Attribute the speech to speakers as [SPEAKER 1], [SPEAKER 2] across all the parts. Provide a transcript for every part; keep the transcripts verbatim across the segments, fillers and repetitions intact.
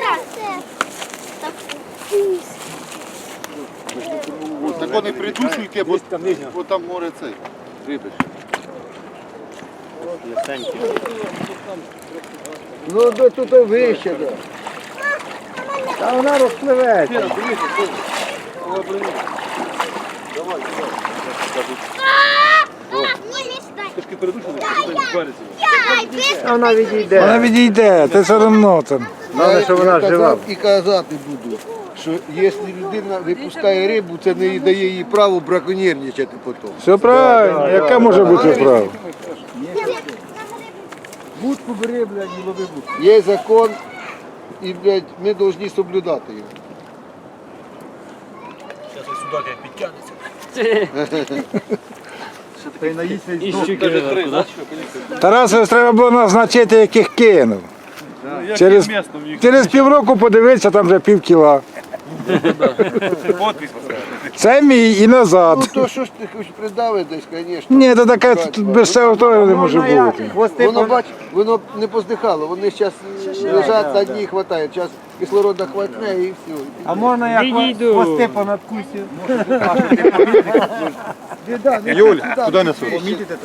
[SPEAKER 1] Так вони придушуйте, бо, бо там море цей. Риби.
[SPEAKER 2] Ну, до тут вище. Та вона розпливеться. Вона відійде.
[SPEAKER 3] Вона відійде, це все одно там.
[SPEAKER 2] Головне, що вона жива.
[SPEAKER 4] І казати буду, що якщо людина випускає рибу, це не дає їй право браконьєрничати потім.
[SPEAKER 3] Все правильно, яка може бути справа?
[SPEAKER 2] Будку бери, блядь, і лови будку.
[SPEAKER 4] Є закон, і, блядь, ми повинні соблюдати його.
[SPEAKER 3] Тарасові треба було назначити, яких кинув. Через, через півроку подивитися, там вже пів кіла. Це мій і
[SPEAKER 4] Ну
[SPEAKER 3] назад.
[SPEAKER 4] то що ж ти хоч придави десь, звісно.
[SPEAKER 3] Ні, то таке тут без цього того не може бути.
[SPEAKER 4] Воно, бач, воно не поздихало, вони зараз лежать на дні і хватають. Зараз кислорода хватне і все.
[SPEAKER 2] А можна я хвости понадкусю?
[SPEAKER 1] Юль, куди несуть?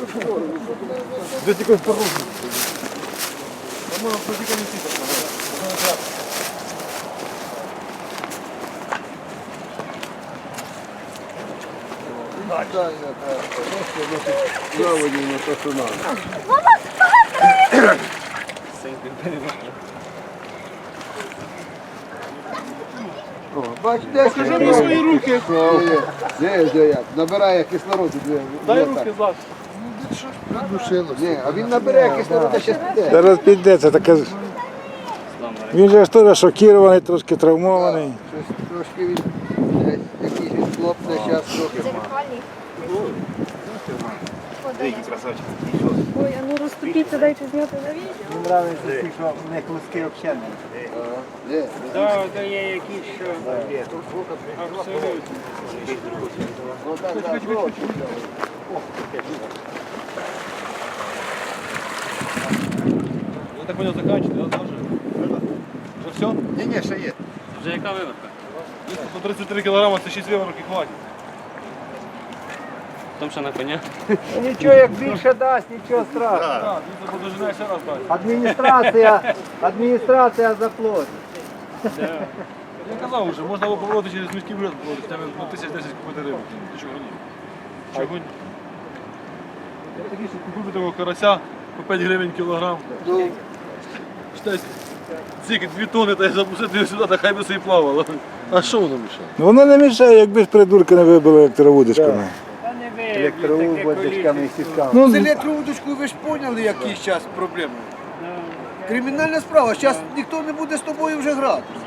[SPEAKER 4] Заводі на то, що надо. О, бач, де скажи на свої руки. Де, де як? Набирає кислороду. Дай руки зараз. Ні, а він набере кислороду, ще піде.
[SPEAKER 3] Зараз піде, це таке. Він же ж теж шокірований, трошки травмований.
[SPEAKER 4] Щось трошки він, десь, якийсь він хлопне, зараз трохи.
[SPEAKER 5] Ой, а ну розступіться, дайте зняти на відео.
[SPEAKER 2] Мені подобається, що в них луски взагалі
[SPEAKER 4] Де?
[SPEAKER 6] Так, да, є якісь, що абсолютно.
[SPEAKER 4] Ну так, так, ну,
[SPEAKER 1] Я так понял, заканчивается, да, тоже? Вже все?
[SPEAKER 4] ні, ні, ще є.
[SPEAKER 6] Вже яка виводка?
[SPEAKER 1] По тридцять три кілограма, це шість виворок і хватить.
[SPEAKER 6] Там ще на коня.
[SPEAKER 2] Нічого, як більше дасть, нічого страшного.
[SPEAKER 1] Так, він це подожинає ще раз далі.
[SPEAKER 2] Адміністрація, адміністрація заплатить.
[SPEAKER 1] Я казав вже, можна було поворотити через міський бюджет, хоча б ну, тисяч десять купити рибу. Ти чого ні? Чого ні? Я такий, що купив такого карася по п'ять гривень кілограм.
[SPEAKER 4] Ну,
[SPEAKER 1] Считай, тільки дві тони, та я запустив сюди, та хай би собі плавало. А що воно мішає?
[SPEAKER 3] Ну, воно не мішає, якби ж придурки не вибили електровудочками.
[SPEAKER 6] Та не ви,
[SPEAKER 2] Електровудочками і сітками.
[SPEAKER 3] Ну,
[SPEAKER 4] з електровудочкою ви ж поняли, який зараз проблеми. Кримінальна справа, зараз ніхто не буде з тобою вже грати.